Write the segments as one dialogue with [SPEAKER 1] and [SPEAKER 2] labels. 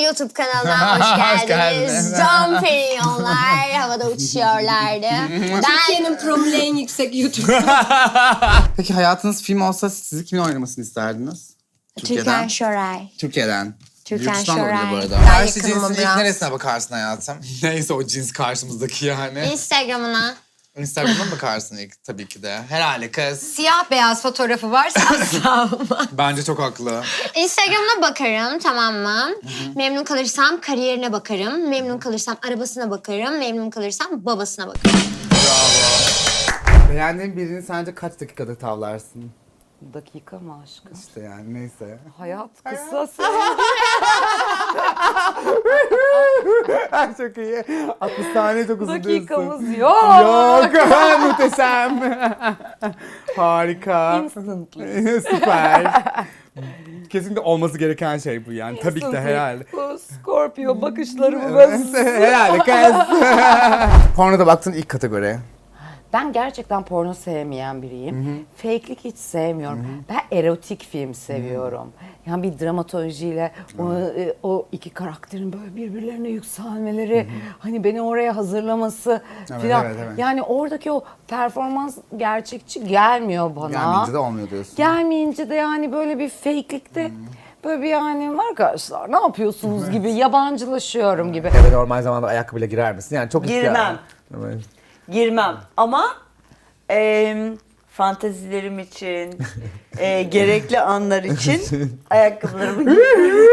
[SPEAKER 1] YouTube kanalına hoş
[SPEAKER 2] Hoş
[SPEAKER 1] geldiniz.
[SPEAKER 2] geldiniz.
[SPEAKER 1] Can Perinyonlar havada uçuşuyorlardı.
[SPEAKER 3] Türkiye'nin promili en yüksek YouTube.
[SPEAKER 2] Peki hayatınız film olsa sizi kimin oynamasını isterdiniz?
[SPEAKER 1] Türkan Şoray.
[SPEAKER 2] Türkiye'den.
[SPEAKER 1] Türkan
[SPEAKER 2] Yurt dışından da olabilir
[SPEAKER 1] Şoray.
[SPEAKER 2] bu arada.
[SPEAKER 1] Ben
[SPEAKER 2] Karşı
[SPEAKER 1] yakınım
[SPEAKER 2] cinsin ilk
[SPEAKER 1] biraz.
[SPEAKER 2] neresine bakarsın hayatım? Neyse o cins karşımızdaki yani.
[SPEAKER 1] Instagram'ına.
[SPEAKER 2] Instagram'a mı bakarsın ilk tabii ki de. Herhalde kız.
[SPEAKER 3] Siyah beyaz fotoğrafı varsa asla olmaz.
[SPEAKER 2] Bence çok haklı.
[SPEAKER 1] Instagram'ına bakarım, tamam mı? Memnun kalırsam kariyerine bakarım. Memnun kalırsam arabasına bakarım. Memnun kalırsam babasına bakarım.
[SPEAKER 2] Bravo. Beğendiğin birini sence kaç dakikada tavlarsın?
[SPEAKER 4] Dakika mı aşkım?
[SPEAKER 2] İşte yani neyse.
[SPEAKER 4] Hayat kısa
[SPEAKER 2] Çok iyi. 60 saniye çok uzun diyorsun.
[SPEAKER 4] dakikamız yok.
[SPEAKER 2] Yok. Muhteşem. Harika.
[SPEAKER 4] Instantly.
[SPEAKER 2] Süper. Kesinlikle olması gereken şey bu yani. Tabii ki de herhalde.
[SPEAKER 4] Bu Scorpio bakışlarımı
[SPEAKER 2] Herhalde kız. Pornoda baktığın ilk kategori.
[SPEAKER 4] Ben gerçekten porno sevmeyen biriyim. Fake'lik hiç sevmiyorum. Ben erotik film seviyorum. Yani bir dramatolojiyle o iki karakterin böyle birbirlerine yükselmeleri, hani beni oraya hazırlaması
[SPEAKER 2] Evet,
[SPEAKER 4] filan.
[SPEAKER 2] evet, evet.
[SPEAKER 4] Yani oradaki o performans gerçekçi gelmiyor bana.
[SPEAKER 2] Gelmeyince de olmuyor diyorsun.
[SPEAKER 4] Gelmeyince de yani böyle bir fake'likte böyle bir yani arkadaşlar ne yapıyorsunuz gibi yabancılaşıyorum gibi.
[SPEAKER 2] Eve normal zamanda ayakkabıyla girer misin? Yani çok
[SPEAKER 5] Girmem.
[SPEAKER 2] Evet.
[SPEAKER 5] Girmem ama fantezilerim için, gerekli anlar için ayakkabılarımı giyerim.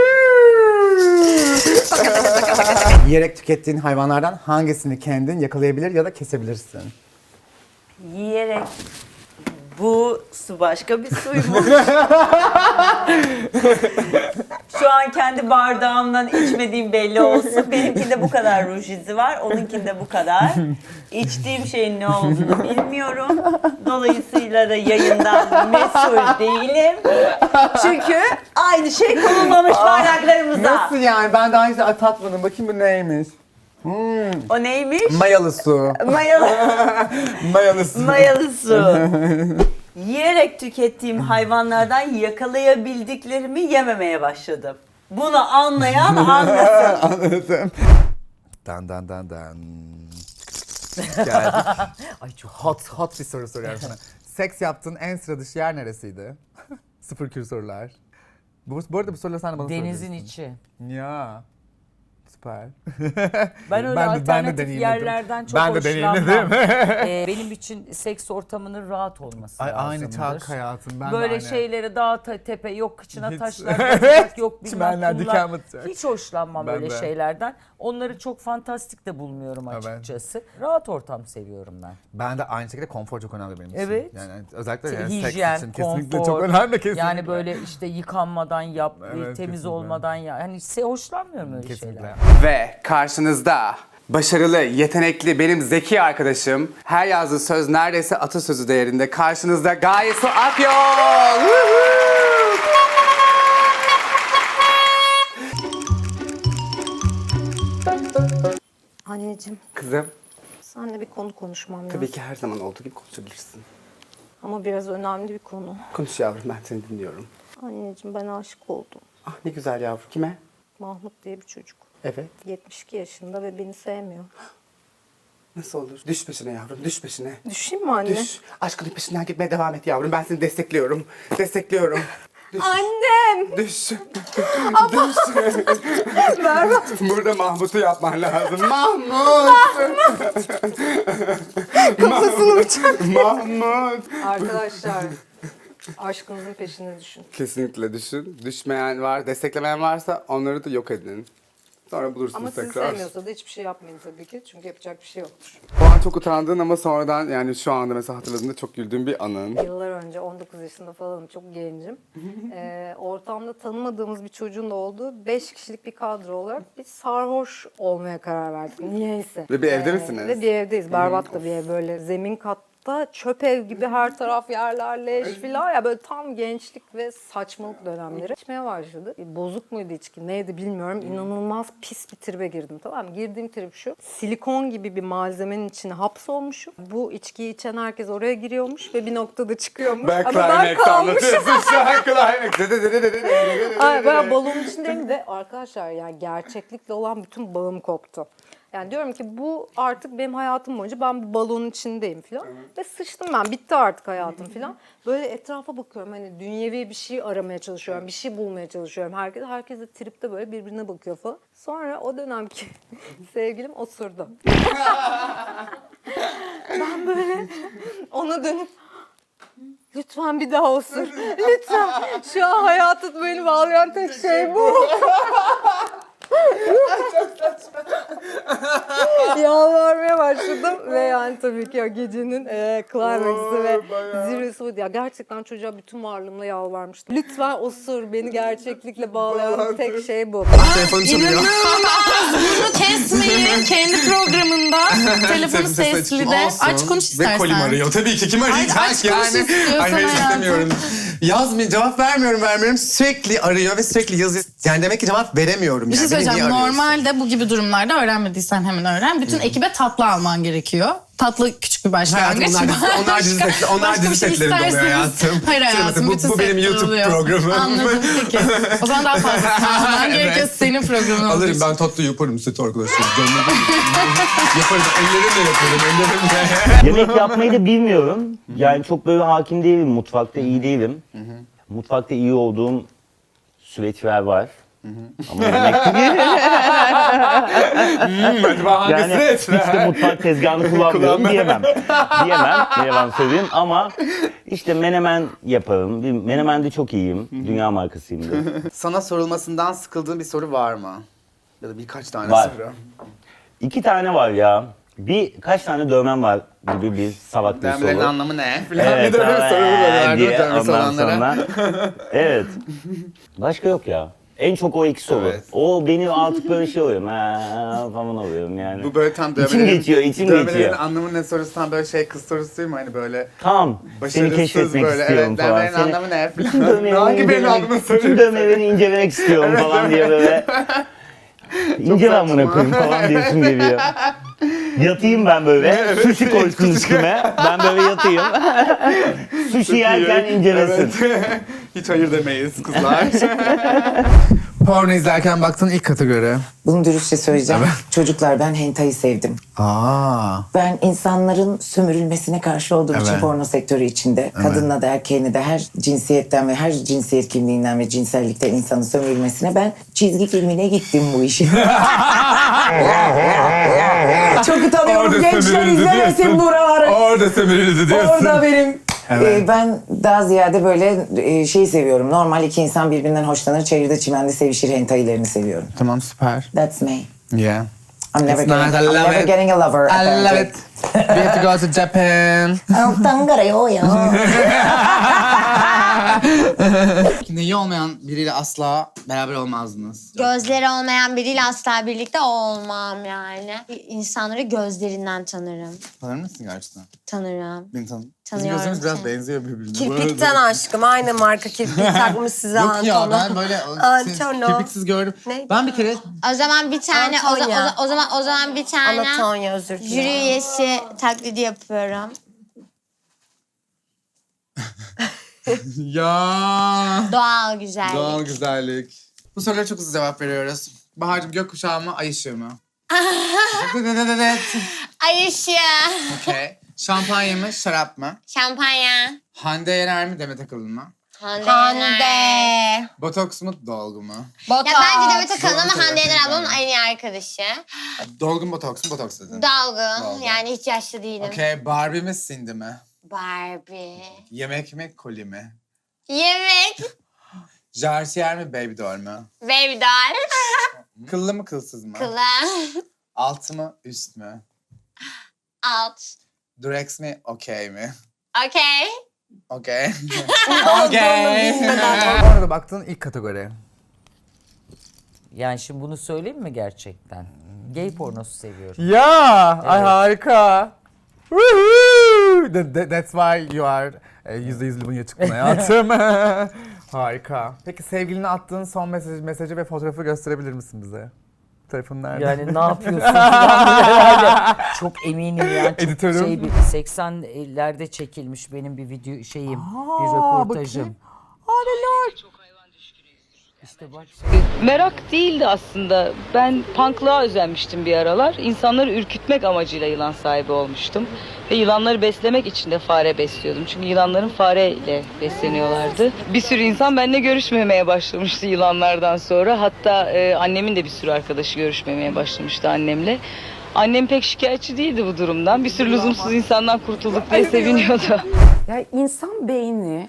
[SPEAKER 2] Yiyerek tükettiğin hayvanlardan hangisini kendin yakalayabilir ya da kesebilirsin?
[SPEAKER 5] Yiyerek bu su başka bir suymuş. Şu an kendi bardağımdan içmediğim belli olsun. Benimkinde bu kadar ruj izi var, onunkinde bu kadar. İçtiğim şeyin ne olduğunu bilmiyorum. Dolayısıyla da yayından mesul değilim. Çünkü aynı şey konulmamış bardaklarımıza.
[SPEAKER 2] Nasıl yani? Ben daha önce tatmadım. Bakayım bu neymiş?
[SPEAKER 5] O neymiş?
[SPEAKER 2] Mayalı su.
[SPEAKER 5] Mayalı.
[SPEAKER 2] Mayalı su.
[SPEAKER 5] Mayalı su. Yiyerek tükettiğim hayvanlardan yakalayabildiklerimi yememeye başladım. Bunu anlayan anlasın.
[SPEAKER 2] Anladım. Dan dan dan dan. Geldik. Ay çok hot bir soru soruyorum sana. Seks yaptığın en sıra dışı yer neresiydi? Sıfır kür sorular. Bu arada bu soruları sen de bana
[SPEAKER 4] Denizin
[SPEAKER 2] soruyorsun.
[SPEAKER 4] içi.
[SPEAKER 2] Ya. Süper.
[SPEAKER 4] Ben öyle
[SPEAKER 2] Ben de
[SPEAKER 4] alternatif
[SPEAKER 2] deneyimledim.
[SPEAKER 4] yerlerden çok
[SPEAKER 2] Ben de
[SPEAKER 4] hoşlanmam.
[SPEAKER 2] deneyimledim.
[SPEAKER 4] Benim için seks ortamının rahat olması
[SPEAKER 2] Ay
[SPEAKER 4] lazımdır.
[SPEAKER 2] aynı çak hayatım. Ben de
[SPEAKER 4] Böyle
[SPEAKER 2] aynı.
[SPEAKER 4] şeylere dağ tepe yok kıçına
[SPEAKER 2] Hiç.
[SPEAKER 4] taşlar batacak yok bilmem
[SPEAKER 2] Çimenler,
[SPEAKER 4] kumlar.
[SPEAKER 2] diken batacak.
[SPEAKER 4] Hiç hoşlanmam
[SPEAKER 2] Ben
[SPEAKER 4] böyle
[SPEAKER 2] de.
[SPEAKER 4] şeylerden. Onları çok fantastik de bulmuyorum
[SPEAKER 2] Evet.
[SPEAKER 4] açıkçası. Rahat ortam seviyorum ben.
[SPEAKER 2] Ben de aynı şekilde konfor çok önemli benim için.
[SPEAKER 4] Evet.
[SPEAKER 2] Yani özellikle
[SPEAKER 4] İşte
[SPEAKER 2] yani
[SPEAKER 4] hijyen,
[SPEAKER 2] seks için kesinlikle
[SPEAKER 4] konfor.
[SPEAKER 2] çok önemli kesinlikle.
[SPEAKER 4] Yani böyle işte yıkanmadan yap,
[SPEAKER 2] Evet,
[SPEAKER 4] temiz
[SPEAKER 2] kesinlikle.
[SPEAKER 4] olmadan ya. Hani hoşlanmıyorum öyle
[SPEAKER 2] Kesinlikle.
[SPEAKER 4] şeyler.
[SPEAKER 2] Ve karşınızda başarılı, yetenekli, benim zeki arkadaşım. Her yazdığı söz neredeyse atasözü değerinde. Karşınızda Gaye Su Akyol.
[SPEAKER 3] Anneciğim,
[SPEAKER 2] Kızım,
[SPEAKER 3] seninle bir konu konuşmam lazım.
[SPEAKER 2] tabii ki her zaman olduğu gibi konuşabilirsin.
[SPEAKER 3] Ama biraz önemli bir konu.
[SPEAKER 2] Konuş yavrum, ben seni dinliyorum.
[SPEAKER 3] Anneciğim, ben aşık oldum.
[SPEAKER 2] Ah ne güzel yavrum. Kime?
[SPEAKER 3] Mahmut diye bir çocuk.
[SPEAKER 2] Evet.
[SPEAKER 3] 72 yaşında ve beni sevmiyor.
[SPEAKER 2] Nasıl olur? Düş peşine yavrum, düş peşine.
[SPEAKER 3] Düşeyim mi anne?
[SPEAKER 2] Düş. Aşkının peşinden gitmeye devam et yavrum. Ben seni destekliyorum. Destekliyorum. Düş.
[SPEAKER 3] Annem!
[SPEAKER 2] Düş. Düş. Burada Mahmut'u yapman lazım. Mahmut!
[SPEAKER 3] Kafasını bıçak.
[SPEAKER 2] Mahmut!
[SPEAKER 3] Arkadaşlar, aşkınızın peşine düşün.
[SPEAKER 2] Kesinlikle düşün. Düşmeyen var, desteklemeyen varsa onları da yok edin. Sonra bulursunuz
[SPEAKER 3] Ama sizi
[SPEAKER 2] tekrar.
[SPEAKER 3] sevmiyorsa da hiçbir şey yapmayın tabii ki. Çünkü yapacak bir şey yoktur.
[SPEAKER 2] O an çok utandın ama sonradan yani şu anda mesela hatırladığında çok güldüğün bir anın.
[SPEAKER 3] Yıllar önce 19 yaşında falanım, çok gencim. Ortamda tanımadığımız bir çocuğun da olduğu 5 kişilik bir kadro olarak bir sarhoş olmaya karar verdik. Niyeyse.
[SPEAKER 2] Ve bir evde misiniz?
[SPEAKER 3] Ve bir evdeyiz. Berbat da bir ev, böyle zemin kat hasta, çöp ev gibi her taraf yerler leş filan ya, böyle tam gençlik ve saçmalık dönemleri. İçmeye başladı. Bozuk muydu içki neydi bilmiyorum. İnanılmaz pis bir tribe girdim, tamam mı? Girdiğim trip şu: silikon gibi bir malzemenin içine hapsolmuşum. Bu içkiyi içen herkes oraya giriyormuş ve bir noktada çıkıyormuş.
[SPEAKER 2] Ben
[SPEAKER 3] Ama ben
[SPEAKER 2] Climax
[SPEAKER 3] kalmışım.
[SPEAKER 2] anlatıyorsun şu an Climax.
[SPEAKER 3] Ay, ben balonun içindeyim de arkadaşlar, yani gerçeklikle olan bütün bağım koptu. Yani diyorum ki bu artık benim hayatım boyunca ben bu balonun içindeyim falan. Ve sıçtım ben, bitti artık hayatım falan. Böyle etrafa bakıyorum, hani dünyevi bir şey aramaya çalışıyorum, bir şey bulmaya çalışıyorum. Herkes de tripte böyle birbirine bakıyor falan. Sonra o dönemki sevgilim osurdu. Ben böyle ona dönüp lütfen bir daha osur. Lütfen. Şu an hayatı beni bağlayan tek şey bu. Yalvarmaya başladım ve yani tabii ki o gecenin climax'ı ve zirvesi buydu. Ya gerçekten çocuğa bütün varlığımla yalvarmıştım. Lütfen osur, beni gerçeklikle bağlayan tek şey bu.
[SPEAKER 2] Telefonu çalıyor.
[SPEAKER 6] Bunu kesmeyin. Kendi programında telefonu sesli de. Aç konuş istersen.
[SPEAKER 2] Ve kolim arıyor. Tabii ki kim arayacak
[SPEAKER 6] Aç konuş
[SPEAKER 2] yani?
[SPEAKER 6] istiyorsan
[SPEAKER 2] Ay hayır
[SPEAKER 6] hayatım.
[SPEAKER 2] istemiyorum.
[SPEAKER 7] Yazmıyor, cevap vermiyorum. Sürekli arıyor ve sürekli yazıyor. Yani demek ki cevap veremiyorum.
[SPEAKER 6] Bir şey
[SPEAKER 7] yani. Beni
[SPEAKER 6] söyleyeceğim.
[SPEAKER 7] niye arıyorsun?
[SPEAKER 6] Normalde bu gibi durumlarda öğrenmediysen hemen öğren. Bütün ekibe tatlı alman gerekiyor. Tatlı küçük bir
[SPEAKER 7] Hayatım
[SPEAKER 6] başlangıç.
[SPEAKER 7] onlar dizi setlerinde oluyor hayatım.
[SPEAKER 6] Hayır hayatım.
[SPEAKER 7] Bu
[SPEAKER 6] bütün
[SPEAKER 7] benim
[SPEAKER 6] setler
[SPEAKER 7] YouTube
[SPEAKER 6] oluyor.
[SPEAKER 7] programım.
[SPEAKER 6] Anladım peki. O zaman daha fazlasını alman gerekiyor. Senin programın olduğu
[SPEAKER 7] Alırım
[SPEAKER 6] için.
[SPEAKER 7] ben tatlı yaparım süt arkadaşlar. Yaparım. Ellerimle yaparım.
[SPEAKER 8] Yemek yapmayı da bilmiyorum. Yani çok böyle hakim değilim. Mutfakta iyi değilim. Mutfakta iyi olduğum süreçler var. Ama yemekte değil.
[SPEAKER 2] Acaba hangisi
[SPEAKER 8] Yani hiç de mutfak tezgahını kullanmıyorum diyemem. Ne yalan söyleyeyim ama işte menemen yaparım. Menemende çok iyiyim. Dünya markasıyımdır.
[SPEAKER 2] Sana sorulmasından sıkıldığın bir soru var mı? Ya da birkaç tane
[SPEAKER 8] Var.
[SPEAKER 2] soru.
[SPEAKER 8] 2 tane var ya. Kaç tane dövmem var gibi bir salak bir
[SPEAKER 2] Dövmelerin
[SPEAKER 8] soru.
[SPEAKER 2] anlamı ne? Falan
[SPEAKER 8] Evet,
[SPEAKER 2] bir de öyle bir soru oluyorlar değil mi
[SPEAKER 8] diye
[SPEAKER 2] dövmesi
[SPEAKER 8] ondan
[SPEAKER 2] olanlara?
[SPEAKER 8] sonra. Evet. Başka yok ya. En çok o iki soru.
[SPEAKER 2] Evet.
[SPEAKER 8] O beni artık böyle şey oluyorum. Falan oluyorum yani.
[SPEAKER 2] Bu böyle tam
[SPEAKER 8] İçim geçiyor, içim
[SPEAKER 2] dövmelerin
[SPEAKER 8] geçiyor.
[SPEAKER 2] anlamı ne sorusu, tam böyle şey kız sorusu değil mi? Hani böyle
[SPEAKER 8] Tam seni
[SPEAKER 2] başarısız
[SPEAKER 8] keşfetmek
[SPEAKER 2] böyle,
[SPEAKER 8] istiyorum
[SPEAKER 2] evet,
[SPEAKER 8] falan.
[SPEAKER 2] dövmelerin anlamı ne?
[SPEAKER 8] Bütün
[SPEAKER 2] Falan.
[SPEAKER 8] dövmelerini
[SPEAKER 2] Hangi birinin anlamını
[SPEAKER 8] incelemek,
[SPEAKER 2] soruyorsun?
[SPEAKER 8] bütün dövmelerini incelemek istiyorum falan diye böyle. İncele amına koyayım falan diyorsun geliyor. Yatayım ben böyle, sushi koysun üstüme, ben böyle yatayım. Sushi yerken incelesin.
[SPEAKER 2] Evet. Hiç hayır demeyiz kızlar. Porno izlerken baktığın ilk kategori.
[SPEAKER 9] Bunu dürüstçe söyleyeceğim. Çocuklar, ben hentai'yi sevdim.
[SPEAKER 2] Aa.
[SPEAKER 9] Ben insanların sömürülmesine karşı olduğum için
[SPEAKER 2] Evet.
[SPEAKER 9] porno sektörü içinde kadınla da erkeğine de her cinsiyetten ve her cinsiyet kimliğinden ve cinsellikten insanın sömürülmesine ben çizgi filmine gittim bu işin. Çok utanıyorum.
[SPEAKER 2] Orada
[SPEAKER 9] Gençler
[SPEAKER 2] sömürüldü
[SPEAKER 9] izlemesin
[SPEAKER 2] diyorsun.
[SPEAKER 9] buraları.
[SPEAKER 2] Orada sömürüldü diyorsun.
[SPEAKER 9] Orada benim.
[SPEAKER 2] Evet.
[SPEAKER 9] Ben daha ziyade böyle şeyi seviyorum. Normal iki insan birbirinden hoşlanır, çayırda çimende sevişir hentai'lerini seviyorum.
[SPEAKER 2] Tamam süper.
[SPEAKER 9] That's me.
[SPEAKER 2] Yeah.
[SPEAKER 9] I'm never,
[SPEAKER 2] It's nice, I
[SPEAKER 9] I'm
[SPEAKER 2] love
[SPEAKER 9] never
[SPEAKER 2] it.
[SPEAKER 9] getting a lover.
[SPEAKER 2] I love
[SPEAKER 9] apparently.
[SPEAKER 2] it. We have to go to Japan. Neyi olmayan biriyle asla beraber olmazdınız.
[SPEAKER 1] Gözleri olmayan biriyle asla birlikte olmam yani. İnsanları gözlerinden tanırım.
[SPEAKER 2] Tanır mısın gerçekten?
[SPEAKER 1] Tanırım.
[SPEAKER 2] Beni tanı. Bizim
[SPEAKER 1] Tanıyorum
[SPEAKER 2] gözümüz biraz
[SPEAKER 1] seni.
[SPEAKER 2] benziyor birbirine.
[SPEAKER 10] Kirpikten aşkım. Aynı marka kirpik takmış size
[SPEAKER 2] Yok ya
[SPEAKER 10] Antonio.
[SPEAKER 2] ben böyle
[SPEAKER 10] Antonio.
[SPEAKER 2] kirpiksiz gördüm.
[SPEAKER 10] Ne?
[SPEAKER 2] Ben bir kere
[SPEAKER 1] O zaman bir tane
[SPEAKER 10] Antonia.
[SPEAKER 1] o zaman bir tane
[SPEAKER 10] Anatolia, özür
[SPEAKER 1] jüri
[SPEAKER 10] dilerim.
[SPEAKER 1] üyesi taklidi yapıyorum.
[SPEAKER 2] ya
[SPEAKER 1] Doğal güzellik.
[SPEAKER 2] doğal güzellik. Bu sorulara çok hızlı cevap veriyoruz. Bahar'cığım gökkuşağı mı ay ışığı mı?
[SPEAKER 1] Ay ışığı.
[SPEAKER 2] Okey. Şampanya mı şarap mı?
[SPEAKER 1] Şampanya.
[SPEAKER 2] Hande Yener mi Demet Akalın mı?
[SPEAKER 1] Hande.
[SPEAKER 10] Hande.
[SPEAKER 2] Botoks mu dolgu mu?
[SPEAKER 1] Ya bence Demet Akalın ama
[SPEAKER 2] Doğru
[SPEAKER 1] Hande Yener
[SPEAKER 2] söylüyorsun.
[SPEAKER 1] ablamın en iyi arkadaşı.
[SPEAKER 2] Dolgu mu botoks mu? Botoks dedin.
[SPEAKER 1] Dalgın.
[SPEAKER 2] Dalgın.
[SPEAKER 1] Yani hiç yaşlı değilim.
[SPEAKER 2] Okey. Barbie mi Cindy mi?
[SPEAKER 1] Barbie.
[SPEAKER 2] Yemek mi koli mi?
[SPEAKER 1] Yemek.
[SPEAKER 2] Jartier mi Baby Doll mu?
[SPEAKER 1] Baby doll.
[SPEAKER 2] Kıllı mı kılsız mı?
[SPEAKER 1] Kılı.
[SPEAKER 2] Alt mı üst mü?
[SPEAKER 1] Alt.
[SPEAKER 2] Durex mi okey mi?
[SPEAKER 1] Okey.
[SPEAKER 2] Okey. Okey. Orada baktığın ilk kategori.
[SPEAKER 11] Yani şimdi bunu söyleyeyim mi gerçekten? Gay pornosu seviyorum.
[SPEAKER 2] Ya, ay harika. Woohoo! That's why you are %100 Lubunya çıktın hayatım. Harika. Peki sevgiline attığın son mesajı ve fotoğrafı gösterebilir misin bize? Telefon nerede?
[SPEAKER 11] Yani ne yapıyorsun falan böyle herhalde. Çok eminim yani. Çok
[SPEAKER 2] Editörüm.
[SPEAKER 11] şey, 80'lerde çekilmiş benim bir video şeyim, bir röportajım. İşte bak.
[SPEAKER 12] Merak değildi aslında. Ben punklığa özenmiştim bir aralar. İnsanları ürkütmek amacıyla yılan sahibi olmuştum. Ve yılanları beslemek için de fare besliyordum. Çünkü yılanların fareyle besleniyorlardı. Bir sürü insan benimle görüşmemeye başlamıştı yılanlardan sonra. Hatta annemin de bir sürü arkadaşı görüşmemeye başlamıştı annemle. Annem pek şikayetçi değildi bu durumdan. Bir sürü lüzumsuz insandan kurtulduk diye seviniyordu.
[SPEAKER 4] Yani insan beyni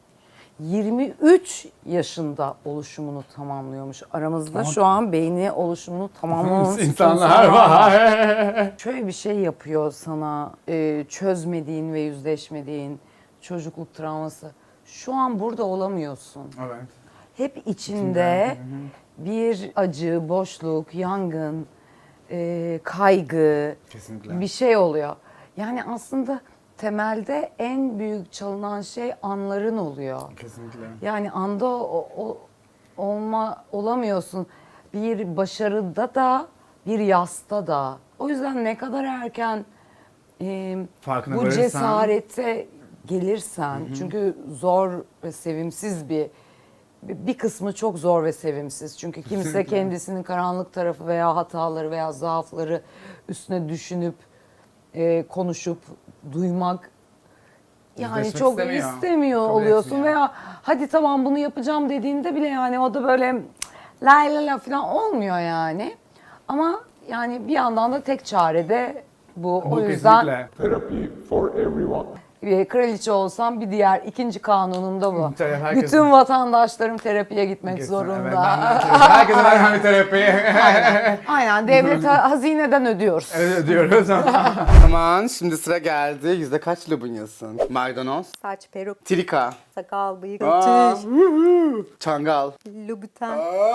[SPEAKER 4] 23 yaşında oluşumunu tamamlıyormuş. Aramızda şu an beyni oluşumunu tamamlamış
[SPEAKER 2] İnsanlar var.
[SPEAKER 4] Şöyle bir şey yapıyor sana çözmediğin ve yüzleşmediğin çocukluk travması. Şu an burada olamıyorsun.
[SPEAKER 2] Evet.
[SPEAKER 4] Hep içinde bir acı, boşluk, yangın, kaygı,
[SPEAKER 2] Kesinlikle.
[SPEAKER 4] bir şey oluyor. Yani aslında temelde en büyük çalınan şey anların oluyor.
[SPEAKER 2] Kesinlikle.
[SPEAKER 4] Yani anda olamıyorsun. Bir başarıda da, bir yasta da. O yüzden ne kadar erken
[SPEAKER 2] Farkına
[SPEAKER 4] bu
[SPEAKER 2] varırsan-
[SPEAKER 4] cesarete gelirsen, çünkü zor ve sevimsiz bir kısmı çok zor ve sevimsiz. Çünkü kimse
[SPEAKER 2] Kesinlikle.
[SPEAKER 4] kendisinin karanlık tarafı veya hataları veya zaafları üstüne düşünüp konuşup duymak yani
[SPEAKER 2] Yüzleşmek
[SPEAKER 4] çok
[SPEAKER 2] istemiyor.
[SPEAKER 4] istemiyor
[SPEAKER 2] Kabul
[SPEAKER 4] oluyorsun
[SPEAKER 2] etmiyor.
[SPEAKER 4] veya hadi tamam bunu yapacağım dediğinde bile yani o da böyle la la la falan olmuyor yani. Ama yani bir yandan da tek çare de bu. O yüzden kraliçe olsam bir diğer ikinci kanunum da bu.
[SPEAKER 2] Tabii, herkesin-
[SPEAKER 4] Bütün vatandaşlarım terapiye gitmek
[SPEAKER 2] Evet,
[SPEAKER 4] zorunda.
[SPEAKER 2] herkese ver bir terapi.
[SPEAKER 4] Aynen devlet hazineden ödüyoruz.
[SPEAKER 2] Evet ödüyoruz. Tamam şimdi sıra geldi. Yüzde kaç Lubunyasın? Maydanoz,
[SPEAKER 3] Saç, peruk,
[SPEAKER 2] trika,
[SPEAKER 3] sakal, bıyık,
[SPEAKER 2] Aa,
[SPEAKER 3] tüy,
[SPEAKER 2] çangal.
[SPEAKER 3] lubuten,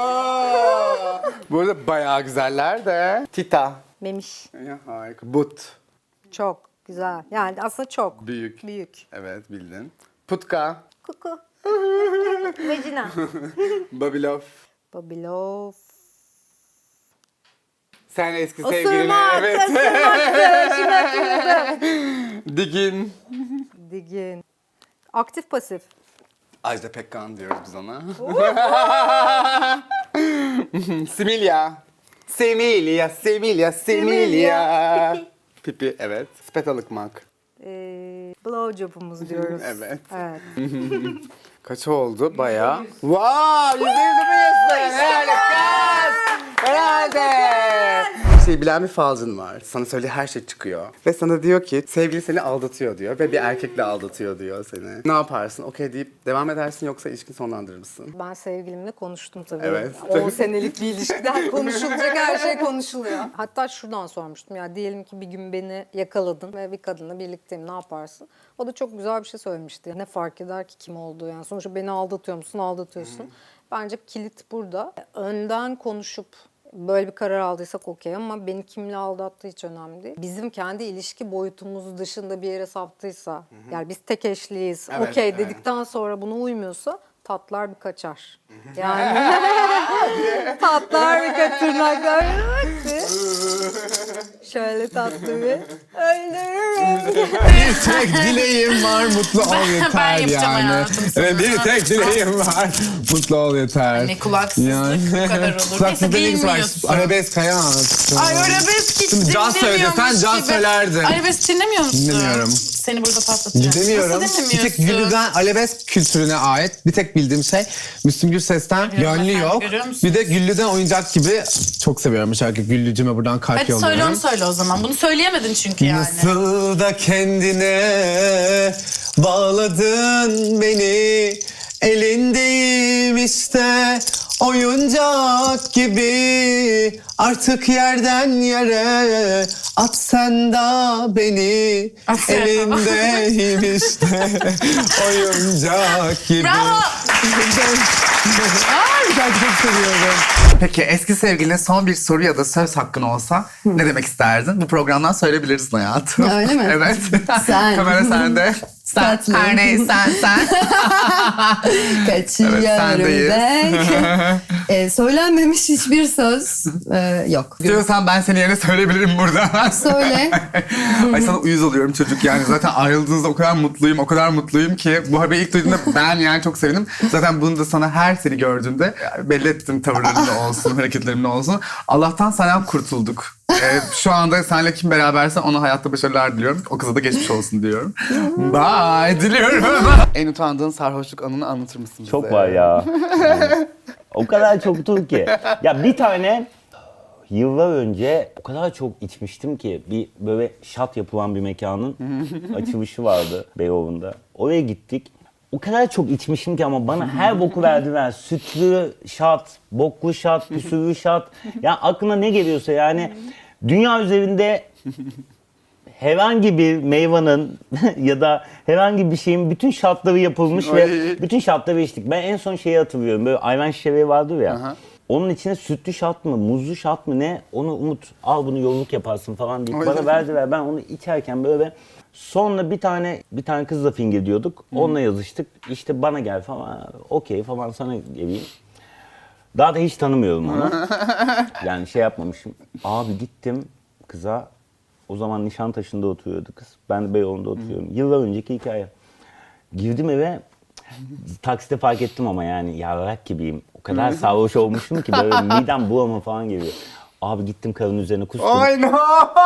[SPEAKER 2] Bu arada bayağı güzeller de. Tita.
[SPEAKER 3] memiş.
[SPEAKER 2] Ya, harika. But.
[SPEAKER 3] Çok güzel. Yani aslında çok
[SPEAKER 2] Büyük.
[SPEAKER 3] büyük.
[SPEAKER 2] Evet bildin. Putka.
[SPEAKER 3] Kuku. Vajina.
[SPEAKER 2] Babilov.
[SPEAKER 3] Babilov.
[SPEAKER 2] Sen eski sevgiline.
[SPEAKER 3] Osurmak.
[SPEAKER 2] Evet.
[SPEAKER 3] Osurmaktı. Şimdi hatırladım.
[SPEAKER 2] Digin.
[SPEAKER 3] Digin. Aktif pasif.
[SPEAKER 2] Ajda Pekkan diyoruz biz ona. Similya. Semilya, Semilya, Semilya. Pipi, evet. Spetalıkmak.
[SPEAKER 3] Blowjob'umuz diyoruz.
[SPEAKER 2] Evet.
[SPEAKER 3] Evet.
[SPEAKER 2] Kaç oldu? Bayağı. Wow! %100 yapıyorsun. Harikasın. Herhalde. Bilen bir falcın var. Sana söylediği her şey çıkıyor. Ve sana diyor ki sevgili seni aldatıyor diyor. Ve bir erkekle aldatıyor diyor seni. Ne yaparsın? Okey deyip devam edersin yoksa ilişkini sonlandırır mısın?
[SPEAKER 3] Ben sevgilimle konuştum tabii.
[SPEAKER 2] Evet.
[SPEAKER 3] 10 senelik bir ilişkiden konuşulacak her şey konuşuluyor. Hatta şuradan sormuştum ya diyelim ki bir gün beni yakaladın ve bir kadınla birlikteyim ne yaparsın? O da çok güzel bir şey söylemişti. Ne fark eder ki kim olduğu yani. Sonuçta beni aldatıyor musun? Aldatıyorsun. Bence kilit burada. Önden konuşup böyle bir karar aldıysak okey ama beni kimle aldattığı hiç önemli değil. Bizim kendi ilişki boyutumuz dışında bir yere saptıysa, yani biz tek eşliyiz,
[SPEAKER 2] Evet,
[SPEAKER 3] okey
[SPEAKER 2] evet.
[SPEAKER 3] dedikten sonra buna uymuyorsa tatlar bir kaçar. Yani tatlar bir kaçar, tırnaklar şöyle tatlı bir öldürürüm.
[SPEAKER 2] Bir tek dileğim var, mutlu ol yeter
[SPEAKER 6] yapacağım
[SPEAKER 2] yani.
[SPEAKER 6] hayatım sana.
[SPEAKER 2] Evet, bir tek dileğim var, mutlu ol yeter.
[SPEAKER 6] Ne kulaksızlık bu kadar olur.
[SPEAKER 2] Kulaksızlık
[SPEAKER 6] Neyse,
[SPEAKER 2] ilgisi var.
[SPEAKER 6] bilmiyorsun.
[SPEAKER 2] Arabesk hayat.
[SPEAKER 6] Ay arabesk hiç
[SPEAKER 2] Şimdi Can söyledi, sen Can
[SPEAKER 6] gibi.
[SPEAKER 2] söylerdin.
[SPEAKER 6] Arabesk dinlemiyor musun?
[SPEAKER 2] Dinlemiyorum.
[SPEAKER 6] Seni burada patlatacağım.
[SPEAKER 2] Dinlemiyorum.
[SPEAKER 6] Nasıl
[SPEAKER 2] Bir tek
[SPEAKER 6] dinlemiyorsun?
[SPEAKER 2] Güllü'den arabesk kültürüne ait bir tek bildiğim şey Müslüm Gürses'ten Gönlü
[SPEAKER 6] efendim,
[SPEAKER 2] Yok.
[SPEAKER 6] görüyor musun?
[SPEAKER 2] Bir de Güllü'den Oyuncak gibi çok seviyorum bu şarkıyı. Güllücüme buradan kalp
[SPEAKER 6] Hadi
[SPEAKER 2] yolluyorum.
[SPEAKER 6] söyle onu söyle o zaman. Bunu söyleyemedin çünkü yani.
[SPEAKER 2] Nasıl da kendine bağladın beni, elindeyim işte oyuncak gibi, artık yerden yere At sen da beni elindeyim işte oyuncak gibi.
[SPEAKER 6] Bravo.
[SPEAKER 2] Ay şarkı çok seviyorum. Peki eski sevgiline son bir soru ya da söz hakkın olsa ne demek isterdin? Bu programdan söyleyebiliriz hayatım.
[SPEAKER 3] Öyle mi?
[SPEAKER 2] Evet.
[SPEAKER 3] Sen.
[SPEAKER 2] Kamera sende. Sen.
[SPEAKER 3] Tatlım.
[SPEAKER 2] Her neyse sen.
[SPEAKER 3] Kaçıyorum
[SPEAKER 2] Evet, sendeyiz.
[SPEAKER 3] ben. Söylenmemiş hiçbir söz yok.
[SPEAKER 2] Diyorsan ben senin yerine söyleyebilirim burada.
[SPEAKER 3] Söyle.
[SPEAKER 2] Ay sana uyuz oluyorum çocuk yani. Zaten ayrıldığınızda o kadar mutluyum ki. Bu haberi ilk duyduğumda ben yani çok sevindim. Zaten bunu da sana her seni gördüğümde belli ettim, tavırlarımda olsun, hareketlerimde olsun. Allah'tan senden kurtulduk. Şu anda seninle kim beraberse ona hayatta başarılar diliyorum. O kıza da geçmiş olsun diyorum. Bye diliyorum. En utandığın sarhoşluk anını anlatır mısın bize?
[SPEAKER 8] Çok var ya. O kadar çoktur ki. Ya bir tane yıllar önce o kadar çok içmiştim ki bir böyle şat yapılan bir mekanın açılışı vardı Beyoğlu'nda. Oraya gittik. O kadar çok içmişim ki ama bana her boku verdiler. Sütlü şat, boklu şat, püsürlü şat. Ya aklına ne geliyorsa yani dünya üzerinde herhangi bir meyvanın ya da herhangi bir şeyin bütün şartları yapılmış ve bütün şartları içtik. Ben en son şeyi hatırlıyorum. Böyle ayran şişeleri vardır ya. Aha. Onun içine sütlü şat mı, muzlu şat mı ne? Onu Umut al bunu yolluk yaparsın falan deyip bana verdiler. Ben onu içerken böyle sonra bir tane kızla fingir diyorduk. Onunla yazıştık. İşte bana gel falan. Okey falan sana geleyim. Daha da hiç tanımıyorum onu. Yani şey yapmamışım. Abi gittim kıza. O zaman Nişantaşı'nda oturuyordu kız. Ben de Beyoğlu'nda oturuyorum. Yıllar önceki hikaye. Girdim eve. Takside fark ettim ama yani yarrak gibiyim. O kadar sarhoş olmuşum ki böyle midem bulanma falan geliyor. Abi gittim karının üzerine kustum.
[SPEAKER 2] Ay no!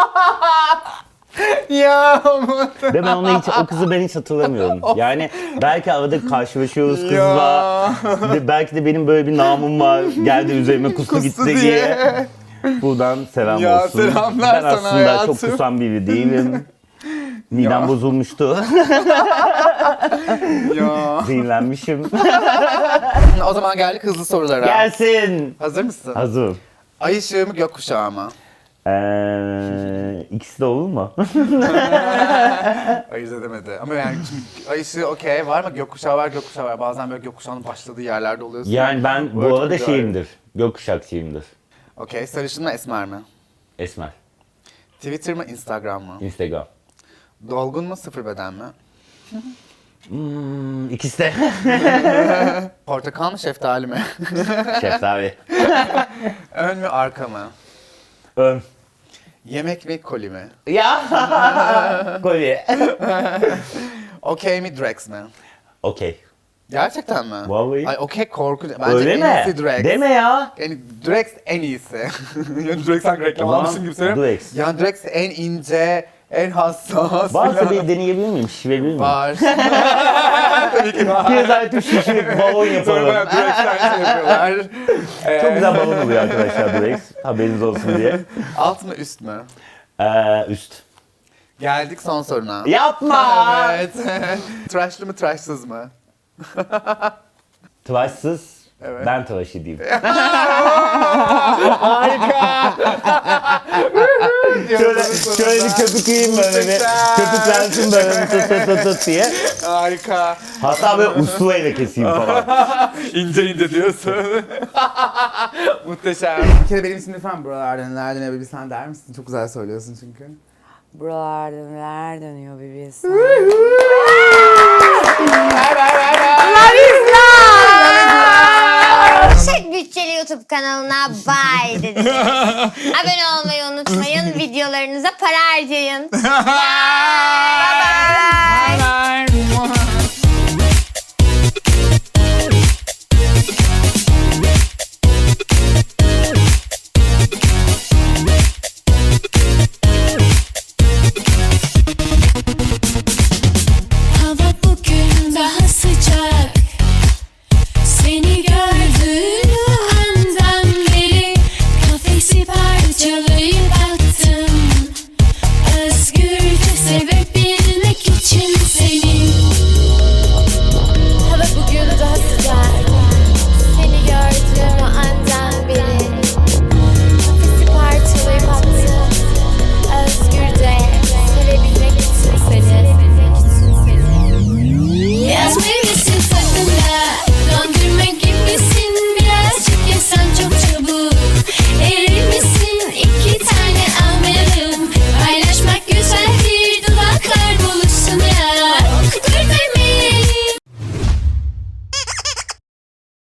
[SPEAKER 2] Ya
[SPEAKER 8] ve ben onu o kızı ben hiç hatırlamıyorum. Yani belki arada karşılaşıyoruz kızla. Belki de benim böyle bir namım var. Geldi üzerime kustu gitti diye. Buradan selam
[SPEAKER 2] ya,
[SPEAKER 8] olsun.
[SPEAKER 2] Selamlar
[SPEAKER 8] ben aslında
[SPEAKER 2] hayatım.
[SPEAKER 8] çok kusan biri değilim. Midem bozulmuştu.
[SPEAKER 2] Ya.
[SPEAKER 8] Zehirlenmişim.
[SPEAKER 2] O zaman geldik hızlı sorulara.
[SPEAKER 8] Gelsin.
[SPEAKER 2] Hazır mısın?
[SPEAKER 8] Hazırım.
[SPEAKER 2] Ay ışığı mı gökkuşağı mı?
[SPEAKER 8] İkisi de olur mu?
[SPEAKER 2] Ayırt edemedi. Ama yani şimdi ay ışığı okey var mı? Gökkuşağı var. Bazen böyle gökkuşağının başladığı yerlerde oluyorsun.
[SPEAKER 8] Yani ben bu arada şeyimdir. Gökkuşakçıyımdır.
[SPEAKER 2] Okey. Sarışın mı esmer mi?
[SPEAKER 8] Esmer.
[SPEAKER 2] Twitter mı Instagram mı?
[SPEAKER 8] Instagram.
[SPEAKER 2] Dolgun mu sıfır beden mi?
[SPEAKER 8] İkisi de.
[SPEAKER 2] Portakal mı şeftali mi?
[SPEAKER 8] Şeftali.
[SPEAKER 2] Ön mü arka mı?
[SPEAKER 8] Ön.
[SPEAKER 2] Yemek mi koli mi?
[SPEAKER 8] Ya. Koli.
[SPEAKER 2] Okey mi Drex mi?
[SPEAKER 8] Okey.
[SPEAKER 2] Gerçekten mi?
[SPEAKER 8] Vallahi.
[SPEAKER 2] Ay okey korkunç. Bence
[SPEAKER 8] öyle
[SPEAKER 2] en
[SPEAKER 8] mi?
[SPEAKER 2] iyisi Drex.
[SPEAKER 8] Deme ya.
[SPEAKER 2] Yani Drex en iyisi. Yani Drex sanki reklam almışsın gibi söylüyorum.
[SPEAKER 8] Drex.
[SPEAKER 2] Yani Drex en ince, en hassas.
[SPEAKER 8] Varsa bir deneyebilir miyim? Şişirebilir miyim?
[SPEAKER 2] Var. Tabii ki var.
[SPEAKER 8] Bir zaten şişirip balon yapalım.
[SPEAKER 2] Sonra Drex'ten şey yapıyorlar.
[SPEAKER 8] Çok güzel balon oluyor arkadaşlar Drex. Haberiniz olsun diye.
[SPEAKER 2] Alt mı üst mü?
[SPEAKER 8] Üst.
[SPEAKER 2] Geldik son soruna.
[SPEAKER 8] Yapma!
[SPEAKER 2] Evet. Tıraşlı mı tıraşsız mı?
[SPEAKER 8] Tıraşsız.
[SPEAKER 2] Evet.
[SPEAKER 8] Ben tıraş edeyim.
[SPEAKER 2] Harika.
[SPEAKER 8] şöyle bir köpükleyeyim böyle bir. Köpüklensin böyle tut diye.
[SPEAKER 2] Harika.
[SPEAKER 8] Hatta böyle usturayla keseyim falan.
[SPEAKER 2] İnce diyorsun. Muhteşem. Bir kere benim için lütfen buralardan nelerden eve bir sen der misin? Çok güzel söylüyorsun çünkü.
[SPEAKER 4] Buralarda neler dönüyor bir bilsen.
[SPEAKER 1] Yüksek bütçeli YouTube kanalına bye dediniz. Abone olmayı unutmayın. Videolarınıza para harcayın. Bye.